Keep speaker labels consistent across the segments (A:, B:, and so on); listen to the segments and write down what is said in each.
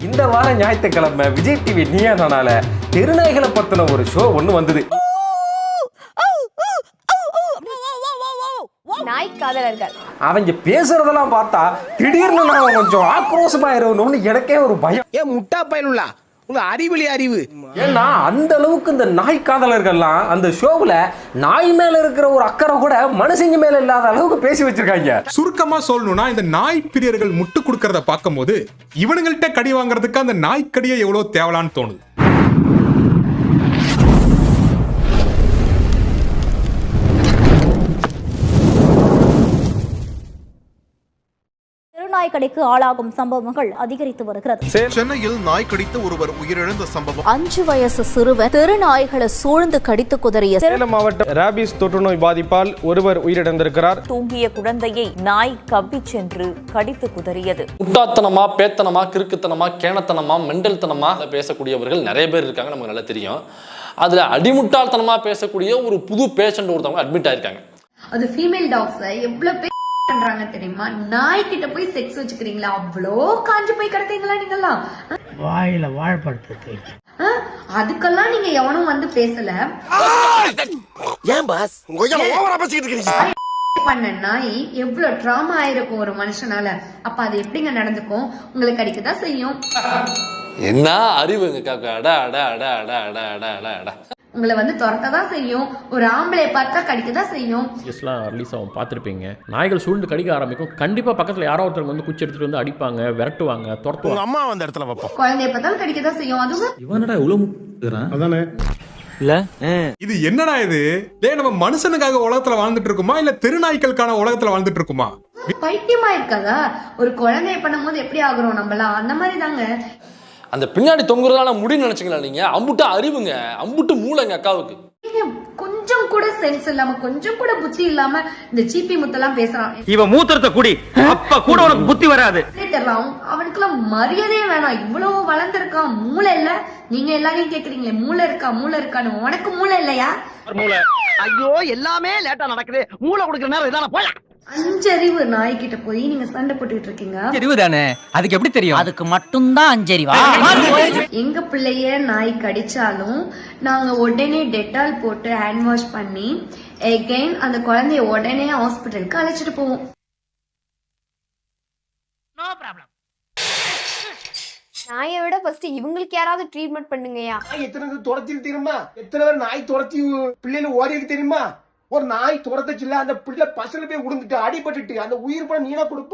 A: இந்த வாரம் ஞாயிற்றுக்கிழமை விஜய் டிவி நீயா நானால தெருநாய்களை பத்தின ஒரு ஷோ ஒண்ணு வந்தது.
B: நாய் காதலர்கள்
A: அவங்க பேசுறதெல்லாம் பார்த்தா திடீர்னு நான் கொஞ்சம் ஆக்ரோஷமாயிருவணும்னு எனக்கே ஒரு பயம்.
C: ஏன் முட்டா பயனுள்ளா உங்க அறிவிலி அறிவு.
A: ஏன்னா அந்த அளவுக்கு இந்த நாய் காதலர்கள்லாம் அந்த ஷோவுல நாய் மேல இருக்கிற ஒரு அக்கறை கூட மனுஷங்க மேல இல்லாத அளவுக்கு பேசி வச்சிருக்காங்க.
D: சுருக்கமா சொல்லணும்னா இந்த நாய் பிரியர்கள் முட்டு கொடுக்கறத பார்க்கும்போது இவனுங்கள்ட்ட கடி வாங்குறதுக்கு அந்த நாய்க்கடியை எவ்வளவு தேவலான்னு தோணுது.
E: நாய்க்கடிக்கு ஆளாகும் சம்பவங்கள் அதிகரித்து வருகிறது.
F: சென்னையில் நாய் கடித்து ஒருவர் உயிரிழந்த சம்பவம்.
E: 5 வயசு சிறுவன் தெருநாய்களை சூழ்ந்து கடித்து குதறிய
G: சேலம் மாவட்டம் ராபிஸ் தொற்றுநோய் பாதிப்பால் ஒருவர் உயிரிழந்திருக்கிறார்.
H: தூங்கிய குழந்தையை நாய் கவ்வி சென்று கடித்து குதறியது.
I: முட்டாத்தனமா, பேத்தனமா, கிறுக்குத்தனமா, கேணத்தனமா, மெண்டல்தனமா பேசக்கூடியவர்கள் நிறைய பேர் இருக்காங்க, நமக்கு நல்லா தெரியும். அதுல அடிமுட்டாள்தனமா பேசக்கூடிய ஒரு புது பேஷண்ட் ஒருத்தவங்க அட்மிட் ஆயிருக்காங்க.
B: அது ஃபீமேல் டாக்ஸ் எவ்வளவு பண்றாங்க தெரியுமா? நாய் கிட்ட போய் செக்ஸ் வச்சுக்கிறீங்களா? அவ்வளோ காஞ்சு போய் கிடத்தீங்களா நீங்கெல்லாம்?
C: வாயில வாழைப்பழத்தை
B: அதுக்கெல்லாம் நீங்க எவனும் வந்து பேசல.
C: ஏன் பாஸ் ஓவரா பேசிட்டு இருக்கீங்க?
B: பண்ண நாய் எவ்வளவு டிராமா ஆயிருக்கும் ஒரு மனுஷனால. அப்ப அது எப்படிங்க நடந்துக்கும்? உங்களுக்கு அடிக்கதான் செய்யும்.
I: என்ன அறிவுங்க காக்கா. அட அட அட அட அட அட அட அட
B: உங்களை வந்து துரத்ததான் செய்யும். ஒரு ஆம்பளை பார்த்தா கடிக்கதான் செய்யும்.
J: ரிலீஸ் ஆகும் பார்த்துருப்பீங்க. நாய்கள் சூழ்ந்து கடிக்க ஆரம்பிக்கும். கண்டிப்பா பக்கத்துல யாரோ ஒருத்தவங்க வந்து குச்சி எடுத்துட்டு வந்து அடிப்பாங்க, விரட்டுவாங்க, துரத்துவாங்க.
F: அம்மா அந்த இடத்துல வைப்போம்.
B: குழந்தைய பார்த்தாலும் கடிக்கதான் செய்யும். அதுவும்
J: இவனடா இவ்வளவு
D: அதானே
J: இல்ல
D: இது என்னடா இது? டேய், நம்ம மனுஷனுக்காக உலகத்துல வாழ்ந்துட்டு இருக்குமா இல்ல தெருநாய்களுக்கான உலகத்துல வாழ்ந்துட்டு இருக்குமா?
B: பைத்தியமா இருக்காதா? ஒரு குழந்தைய பண்ணும் போது எப்படி ஆகுறோம் நம்மளாம்? அந்த மாதிரி தாங்க.
I: அந்த பின்னாடி தொங்குறதால முடின்னு நினைச்சீங்களா நீங்க? அம்புட்டு அறிவுங்க, அம்புட்டு மூளைங்க அக்காவுக்கு.
B: கொஞ்சம் கூட சென்ஸ் இல்லாம, கொஞ்சம் கூட புத்தி இல்லாம இந்த சீப்பி முத்தெல்லாம் பேசுறான்.
G: இவன் மூத்திரத்தை குடி, அப்ப கூட உனக்கு புத்தி வராது.
B: அவனுக்குலாம் மரியாதையே வேணாம். இவ்வளவு வளர்ந்துருக்கான், மூளை இல்ல. நீங்க எல்லாரையும் கேக்குறீங்களே மூளை இருக்கா மூளை இருக்கான்னு. உனக்கு மூளை இல்லையா?
C: ஐயோ எல்லாமே லேட்டா நடக்குது. மூளை கொடுக்குற நேரம் இதான போய்
B: 5 அறிவு நாய்கிட்ட போய் நீங்க சண்டை போட்டுக்கிட்டு இருக்கீங்க.
G: அறிவு தானே, அதுக்கு எப்படி தெரியும்?
C: அதுக்கு மட்டும்தான் 5 அறிவா?
B: எங்க பிள்ளைய நாய் கடிச்சாலும் நாங்க உடனே டெட்டால் போட்டு ஹேண்ட் வாஷ் பண்ணி எகைன் அந்த குழந்தைய உடனே ஹாஸ்பிட்டலுக்கு அழைச்சிட்டு போவோம்.
K: நாயை விட ஃபர்ஸ்ட் இவங்களுக்கு யாராவது ட்ரீட்மெண்ட் பண்ணுங்கயா.
C: எத்தனை துரத்திட்டு தெரியுமா? எத்தனை பேர் நாய் துரத்தி பிள்ளைல ஓடி இருக்கு தெரியுமா? ஒரு நாய் துரத்துச்சுல அந்த பிள்ளை பசல போய் உடுந்துட்டு அடிபட்டுட்டு அந்த உயிர் பணம் நீனா கொடுப்பா?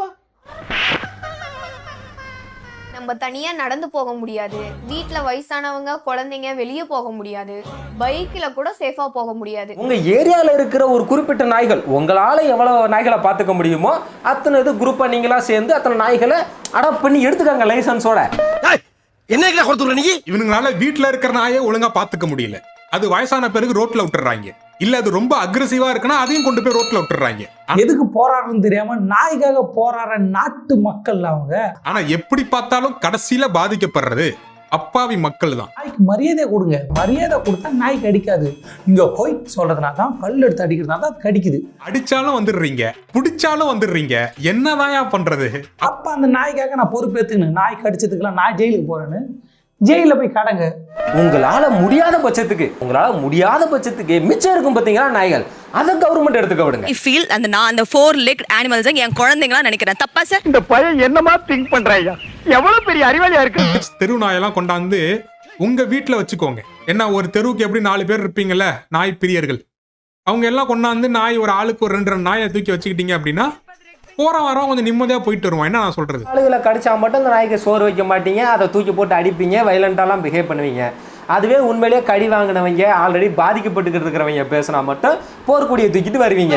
K: நம்ம தனியா நடந்து போக முடியாது. வீட்டுல வயசானவங்க குழந்தைங்க வெளியே போக முடியாது. பைக்ல கூட சேஃபா போக முடியாது.
A: உங்க ஏரியால இருக்கிற ஒரு குறிப்பிட்ட நாய்கள், உங்களால எவ்வளவு நாய்களை பார்த்துக்க முடியுமோ அத்தனை இது குரூப்பா நீங்களா சேர்ந்து அத்தனை நாய்களை அடாப்ட் பண்ணி எடுத்துக்காங்க லைசன்ஸோட.
C: என்ன கொடுத்துற நீ?
D: இவனுங்களால வீட்டுல இருக்கிற நாயை ஒழுங்கா பாத்துக்க முடியல. அது வயசான பிறகு ரோட்ல விட்டுறாங்க. இல்ல அது ரொம்ப அக்ரெசிவா இருக்குன்னா அதையும் கொண்டு போய் ரோட்ல விட்டுறாங்க.
L: எதுக்கு போராடுறதுன்னு தெரியாம நாய்க்காக போராடுற நாட்டு மக்கள் அவங்க.
D: ஆனா எப்படி பார்த்தாலும் கடைசியில பாதிக்கப்படுறது அப்பாவி மக்கள் தான்.
L: நாய்க்கு மரியாதை கொடுங்க. மரியாதை கொடுத்தா நாய் கடிக்காது. இங்க போய் சொல்றதுனா தான், கல் எடுத்து அடிக்கிறதுனா தான் கடிக்குது.
D: அடிச்சாலும் வந்துடுறீங்க, பிடிச்சாலும் வந்துடுறீங்க. என்னதான் பண்றது?
L: அப்ப அந்த நாய்க்காக நான் பொறுப்பேத்துக்கணும். நாய் கடிச்சதுக்கெல்லாம் நான் ஜெயிலுக்கு போறேன்னு ஜெயில போய் கடங்க.
A: உங்களால முடியாத பட்சத்துக்கு மிச்சம் இருக்கும் பாத்தீங்களா நாய்கள், அதை கவர்மெண்ட் எடுத்துக்க விடுங்க.
H: ஐ ஃபீல் நான் அந்த 4 legged animals என் குழந்தைங்களா நினைக்கிறேன். தப்பா சார்?
G: இந்த பையன் என்னமா திங்க் பண்றாயா? எவ்வளவு பெரிய அறிவாளியா இருக்கு.
D: தெரு நாயெல்லாம் கொண்டாந்து உங்க வீட்டுல வச்சுக்கோங்க. என்ன, ஒரு தெருவுக்கு எப்படி 4 பேர் இருப்பீங்கல்ல நாய் பிரியர்கள், அவங்க எல்லாம் கொண்டாந்து நாய் ஒரு ஆளுக்கு ஒரு 2 நாயை தூக்கி வச்சுக்கிட்டீங்க அப்படின்னா போற வாரம் கொஞ்சம் நிம்மதியா போயிட்டு வருவான். என்ன நான் சொல்றது?
A: ஆளுகளை கடிச்சா மட்டும் அந்த நாய்க்கு சோறு வைக்க மாட்டீங்க, அதை தூக்கி போட்டு அடிப்பீங்க, வைலண்டாலாம் பிஹேவ் பண்ணுவீங்க. அதுவே உண்மையிலேயே கடி வாங்கினவங்க, ஆல்ரெடி பாதிக்கப்பட்டு இருக்கிறவங்க பேசினா மட்டும் போர்க்குடியை தூக்கிட்டு வருவீங்க.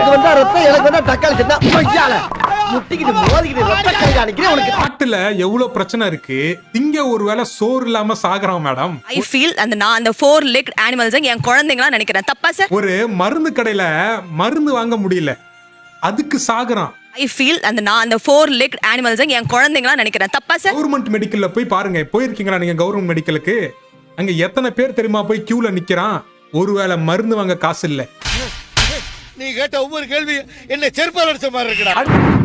D: நாட்டுல எவ்வளவு பிரச்சனை இருக்கு. இங்க ஒருவேளை சோறு இல்லாம சாகுறான் மேடம்.
H: ஐ ஃபீல் நான் அந்த 4 legged animals என் குழந்தைங்களா நினைக்கிறேன். தப்பா சார்?
D: ஒரு மருந்து கடையில மருந்து வாங்க முடியல, அதுக்கு சாகுறான்.
H: ஐ ஃபீல் நான் அந்த 4 legged animals என் குழந்தைங்களா நினைக்கிறேன். தப்பா சார்?
D: கவர்மெண்ட் மெடிக்கல்ல போய் பாருங்க. போயிருக்கீங்களா நீங்க கவர்மெண்ட் மெடிக்கலுக்கு? அங்க எத்தனை பேர் தெரியுமா போய் கியூல நிக்கிறான்? ஒருவேளை மருந்து வாங்க காசு இல்ல.
F: நீ கேட்ட ஒவ்வொரு கேள்வி என்ன செருப்பால் அடிச்ச மாதிரி இருக்குடா.